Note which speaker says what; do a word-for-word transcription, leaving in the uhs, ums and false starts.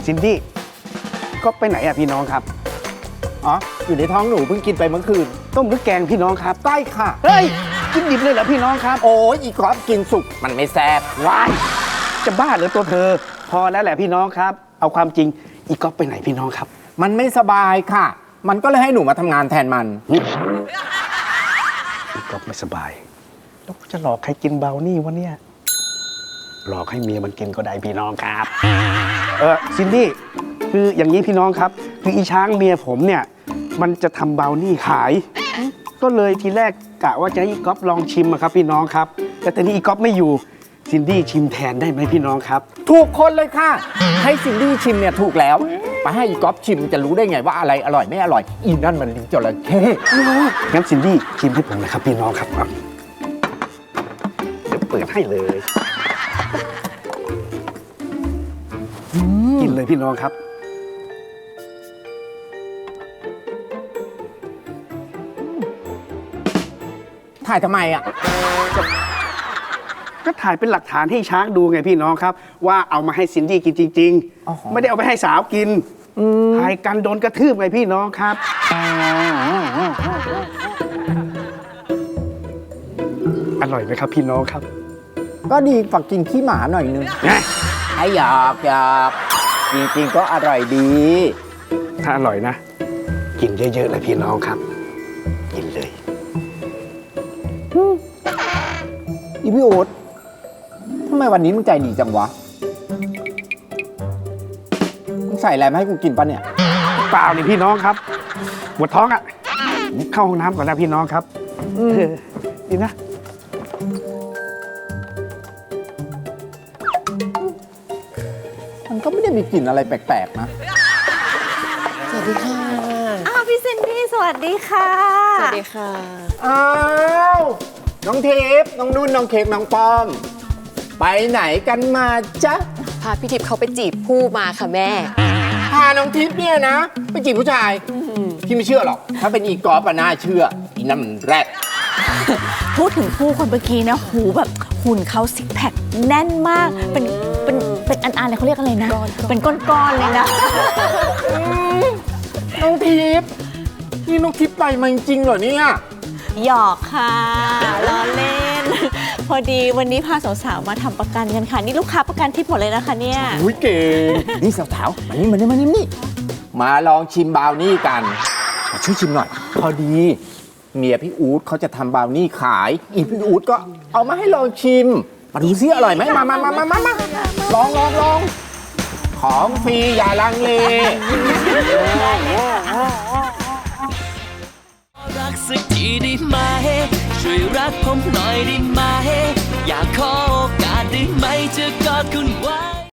Speaker 1: ซินดี้ก็ไปไหนอะพี่น้องครับ
Speaker 2: อ๋ออยู่ในท้องหนูเพิ่งกินไปเมื่อคืน
Speaker 1: ต้มหรือแกงพี่น้องครับ
Speaker 2: ใต้ค่ะ
Speaker 1: เฮ้ยกินดิบเลยเหรอพี่น้องครับ
Speaker 2: โอ้ยอีกรอบกินสุกมันไม่แซ่บ
Speaker 1: วายจะบ้าหรือตัวเธอพอแล้วแหละพี่น้องครับเอาความจริงอีก๊อฟไปไหนพี่น้องครับ
Speaker 2: มันไม่สบายค่ะมันก็เลยให้หนูมาทำงานแทนมัน
Speaker 1: อีก๊อฟไม่สบายแล้วจะหลอกใครกินเบานี่วะเนี่ยหลอกให้เมียมันกินก็ได้พี่น้องครับเออซินดี้คืออย่างนี้พี่น้องครับคืออีช้างเมียผมเนี่ยมันจะทำเบานี่ขายก็เลยทีแรกกะว่าจะให้อีก๊อฟลองชิมครับพี่น้องครับแต่ตอนนี้อีก๊อฟไม่อยู่ซินดี้ชิมแทนได้ไหมพี่น้องครับ
Speaker 2: ถูกคนเลยค่ะให้ซินดี้ชิมเนี่ยถูกแล้วไปให้อีก๊อฟชิมจะรู้ได้ไงว่าอะไรอร่อยไม่อร่อยอีนั่นมันลิ้นจระเข้
Speaker 1: งั้นซินดี้ชิมให้ผมนะครับพี่น้องครับเดี๋ยวเปิดให้เลยกินเลยพี่น้องครับ
Speaker 2: ถ่ายทำไมอ่ะ
Speaker 1: ก็ถ่ายเป็นหลักฐานให้ช้างดูไงพี่น้องครับว่าเอามาให้ซินดี้กินจริงๆไม่ได้เอาไปให้สาวกินถ่ายกันโดนกระทืบไงพี่น้องครับอร่อยไหมครับพี่น้องครับ
Speaker 2: ก็ดีฝักกินขี้หมาหน่อยนึงไอ้หยอกหยอกจริงๆก็อร่อยดี
Speaker 1: ถ้าอร่อยนะกินเยอะๆเลยพี่น้องครับกินเลย
Speaker 2: อีพี่โอ๊ตทำไมวันนี้มึงใจดีจังวะมึงใส่อะไรมาให้กูกินปะเนี่ย
Speaker 1: เปล่านี่พี่น้องครับปวดท้องอ่ะเข้าห้องน้ำก่อนนะพี่น้องครับดีนะ
Speaker 2: มันก็ไม่ได้มีกลิ่นอะไรแปลกๆนะ
Speaker 3: สวัสดีค่ะ
Speaker 4: อ้าวพี่ซินดี้สวัสดีค่ะ
Speaker 3: สวัสดีค่ะ
Speaker 2: อ้าวน้องทิพย์น้องนุ่นน้องเค้กน้องป้อมไปไหนกันมาจ๊ะ
Speaker 3: พาพี่ทิพย์เขาไปจีบผู้มาค่ะแม่
Speaker 2: พาน้องทิพย์เนี่ยนะไปจีบผู้ชายพี่ไม่เชื่อหรอกถ้าเป็นอีกอล์ฟอะน่าเชื่ออีนั่นมันแรด
Speaker 4: พูดถึงผู้คนเมื่อกี้นะหูแบบหุ่นเขาซิกแพคแน่นมากเป็นเป็นเป็นอันๆเลยเขาเรียกอะไรนะเป็นก้อนๆเลยนะ
Speaker 2: น้องทิพย์นี่น้องทิพย์ไปมาจริงเหรอเนี่ย
Speaker 4: หยอกค่ะล้อเล่นพอดีวันนี้พาสาวๆมาทำประกันกันค่ะนี่ลูกค้าประกันทิพย์หมดเลยนะคะเนี่ย
Speaker 2: อุ้ยเก่งนี่สาวๆมานี่มานี่มานี่นี่มาลองชิมบราวนี่กันช่วยชิมหน่อยพอดีเมียพี่อู๊ดเขาจะทำบราวนี่ขายอีพี่อู๊ดก็เอามาให้ลองชิมมาดูซิอร่อยไหมมามามามามามาลองลองลองของฟรีอย่าลังเล
Speaker 5: รักสักทีได้ไหมช่วยรักผมหน่อยได้ไหมอยากขอโอกาสได้ไหมจะกอดคุณไว้